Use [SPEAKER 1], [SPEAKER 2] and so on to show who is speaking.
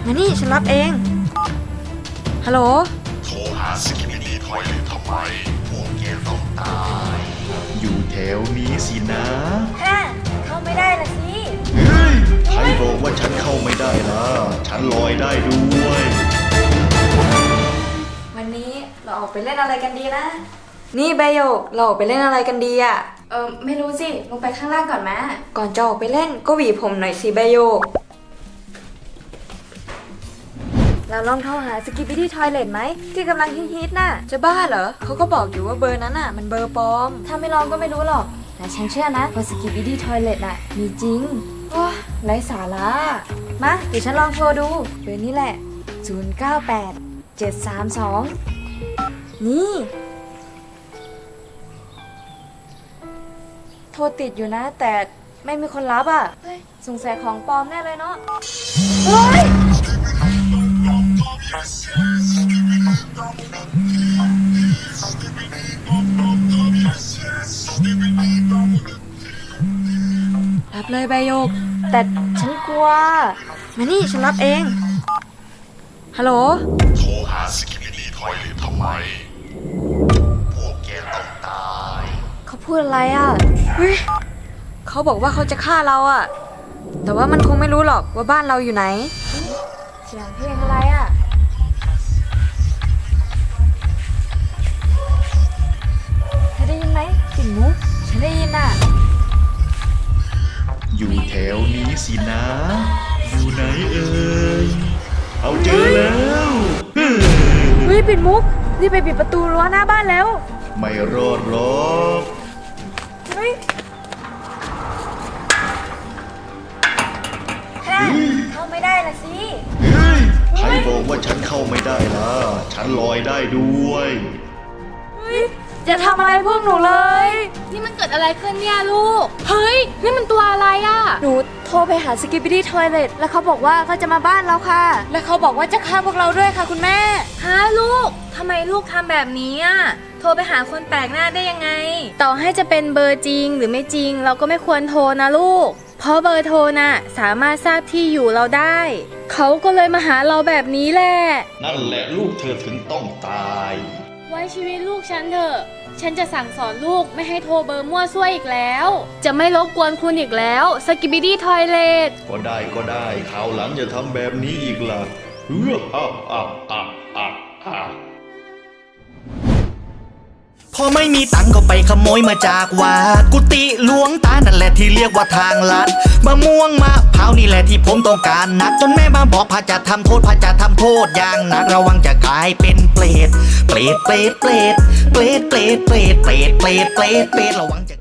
[SPEAKER 1] มานี่ฉันรับเองฮัลโหล
[SPEAKER 2] โทรหาสกิมิดี้ทอยเลททำไมพวกแกต้องตาย อยู่แถวนี้สินะ
[SPEAKER 1] ฮะเข้าไม่ได้ละสิ
[SPEAKER 2] เฮ้ยใครบอกว่าฉันเข้าไม่ได้ล่ะ ฉันลอยได้ด้วย
[SPEAKER 1] วันนี้เราออกไปเล่นอะไรกันดีนะ นี่ใบโยกเราออกไปเล่นอะไรกันดีอ่ะไม่รู้สิลงไปข้างล่างก่อนมะก่อนจะออกไปเล่นก็หวีผมหน่อยสิใบโยกเราลองโทรหาสกิปปี้ที่ทอยเลทไหมที่กำลังฮิตๆน่ะจะบ้าเหรอเขาก็บอกอยู่ว่าเบอร์นั้นน่ะมันเบอร์ปลอมถ้าไม่ลองก็ไม่รู้หรอกแต่ฉันเชื่อนะว่าสกิปปี้ที่ทอยเลทน่ะมีจริงว้าไร้สาระมาเดี๋ยวฉันลองโทรดูเบอร์นี้แหละ098732นี่โทรติดอยู่นะแต่ไม่มีคนรับอ่ะเฮ้ยสงสัยของปลอมแน่เลยเนาะเฮ้ยรับเลยใบโยกแต่ฉันกลัวมานี่ฉันรับเองฮัลโหล
[SPEAKER 2] โทรหาสกิมิดี้ทอยเลททำไมพวกแกต้องตาย
[SPEAKER 1] เขาพูดอะไรอ่ะเฮ้ยเขาบอกว่าเขาจะฆ่าเราอ่ะแต่ว่ามันคงไม่รู้หรอกว่าบ้านเราอยู่ไหนเสียงเพลงอะไรอ่ะเธอได้ยินไหมปิ่นมุกฉันได้ยินอ่ะ
[SPEAKER 2] อยู่แถวนี้สินะ อยู่ไหนเอ่ยเอาเจอแล้ว
[SPEAKER 1] เฮ้ยปิ่นมุกรีบไปปิดประตูรั้วหน้าบ้านแล้ว
[SPEAKER 2] ไม่รอดหรอก
[SPEAKER 1] เฮ้ยเข้าไม่ได้ละสิ
[SPEAKER 2] เฮ้ยใครบอกว่าฉันเข้าไม่ได้ล่ะ ฉันลอยได้ด้วย
[SPEAKER 1] จะทำอะไรพวกหนูเลย
[SPEAKER 3] นี่มันเกิดอะไรขึ้นเนี่ยลูก เฮ้ย นี่มันตัวอะไรอะ
[SPEAKER 1] หนูโทรไปหาสกิปปี้ทอยเลทแล้วเขาบอกว่าเขาจะมาบ้านเราค่ะ และเขาบอกว่าจะฆ่าพวกเราด้วยค่ะคุณแม่
[SPEAKER 3] ฮะลูก ทำไมลูกทำแบบนี้อะโทรไปหาคนแปลกหน้าได้ยังไง ต่อให้จะเป็นเบอร์จริงหรือไม่จริง เราก็ไม่ควรโทรนะลูก เพราะเบอร์โทรน่ะสามารถทราบที่อยู่เราได้ เขาก็เลยมาหาเราแบบนี้แหละ
[SPEAKER 2] นั่นแหละลูกเธอถึงต้องตาย
[SPEAKER 3] ไว้ชีวิตลูกฉันเถอะ ฉันจะสั่งสอนลูกไม่ให้โทรเบอร์มั่วซั่วอีกแล้ว จะไม่รบกวนคุณอีกแล้วสกิบิดี้ทอยเลท
[SPEAKER 2] ก็ได้คราวหลังอย่าทำแบบนี้อีกล่ะ
[SPEAKER 4] พอไม่มีตังก็ไปขโมยมาจากวัดกุฏิหลวงตานั่นแหละที่เรียกว่าทางลัดมะม่วงมะพร้าวนี่แหละที่ผมต้องการนักจนแม่มาบอกพระจะทำโทษอย่างหนักระวังจะกลายเป็นเปรตระวังจะ